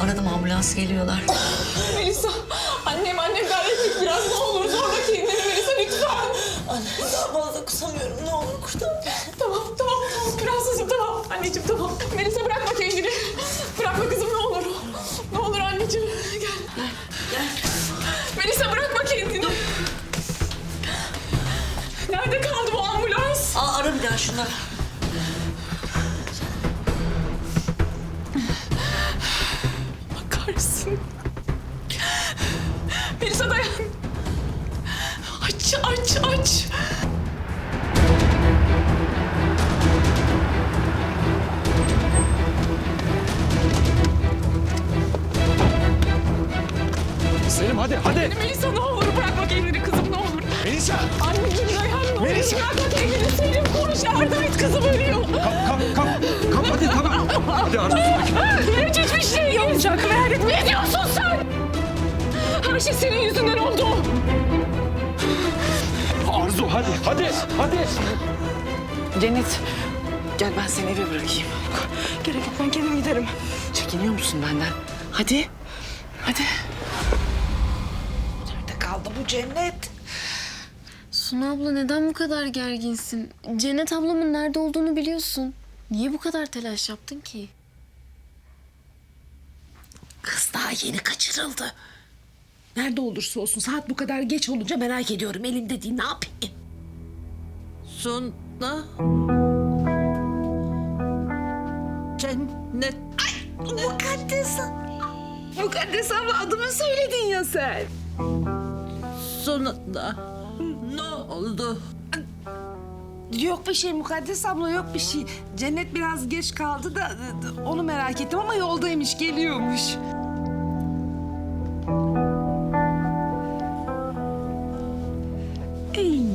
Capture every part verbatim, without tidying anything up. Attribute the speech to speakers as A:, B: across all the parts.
A: Aradım, ambulans geliyorlar.
B: Melisa, annem annem gayret et biraz, ne olur zorla kendini Melisa lütfen.
C: Anne daha fazla kusamıyorum, ne olur kurtar beni.
B: Tamam tamam tamam prensesim tamam anneciğim tamam. Melisa bırakma kendini. Bırakma kızım ne olur. Ne olur anneciğim gel.
C: Gel, gel.
B: Melisa bırakma kendini. Nerede kaldı bu ambulans?
C: Aa, ara bir daha şunları.
B: Bakarsın. Melisa dayan. Aç aç aç.
D: Selim hadi hadi.
B: Melisa ne olur bırakma kendini kızım ne olur.
D: Melisa.
B: Anneciğim dayan ne olur.
D: Melisa.
B: Bırakma kendini Selim koş yardım et kızım ölüyor.
D: Kap kap kap. Kap hadi tamam. Hadi Arzu sakin.
B: Hiç hiçbir şey olmayacak merak etme. Ne diyorsun sen? Her şey senin yüzünden oldu.
D: Arzu hadi hadi hadi.
E: Cennet, gel ben seni eve bırakayım.
B: Gerek yok ben kendim giderim.
E: Çekiniyor musun benden? Hadi, hadi. Nerede kaldı bu Cennet?
F: Suna abla neden bu kadar gerginsin? Cennet ablamın nerede olduğunu biliyorsun. Niye bu kadar telaş yaptın ki?
E: Kız daha yeni kaçırıldı. Nerede olursa olsun saat bu kadar geç olunca merak ediyorum. Elimde değil, ne yapayım?
C: Suna. Cennet.
E: Ay, mukaddes. Mukaddes abla adımı söyledin ya sen.
C: Sonunda. Ne oldu?
E: Yok bir şey Mukaddes abla, yok bir şey. Cennet biraz geç kaldı da onu merak ettim ama yoldaymış, geliyormuş. Ey.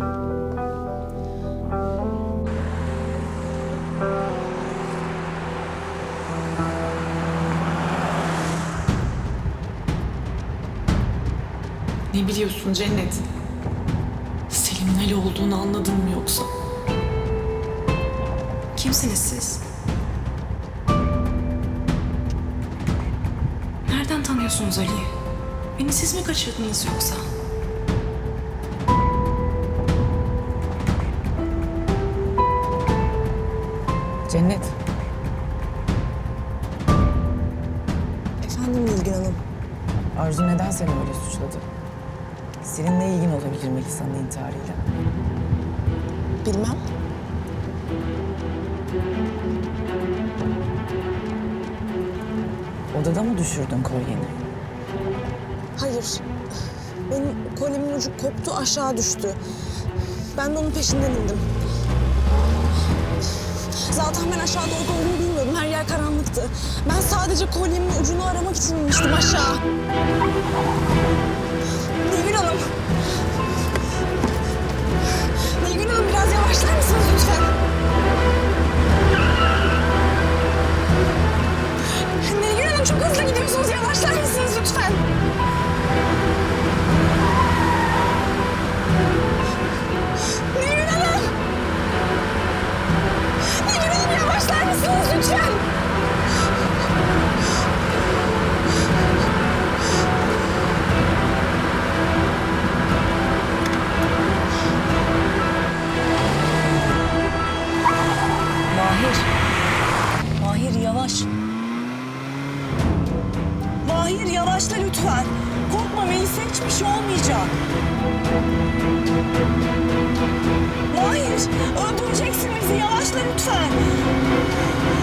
B: Ne biliyorsun Cennet? Selim'in Ali olduğunu anladın mı yoksa? Kimsiniz siz? Nereden tanıyorsunuz Ali'yi? Beni siz mi kaçırdınız yoksa?
E: Cennet.
C: Efendim Nilgün Hanım.
E: Arzu neden seni öyle suçladı? Senin ne ilgin olabilir Melisa'nın intiharıyla?
C: Bilmem.
E: Odada mı düşürdün kolyeni?
G: Hayır. Benim kolyemin ucu koptu, aşağı düştü. Ben de onun peşinden indim. Zaten ben aşağıda olduğunu bilmiyordum. Her yer karanlıktı. Ben sadece kolyemin ucunu aramak için inmiştim aşağı. Nilgün Hanım. Nilgün Hanım biraz yavaşlar mısınız lütfen? Nilgün Hanım çok hızlı gidiyorsunuz. Yavaşlar mısınız lütfen? Nilgün Hanım! Nilgün Hanım yavaşlar mısınız lütfen?
C: Mahir. Mahir yavaş. Mahir yavaşla lütfen. Korkma Melisa, hiçbir şey olmayacak. Mahir öldüreceksin bizi, yavaşla lütfen.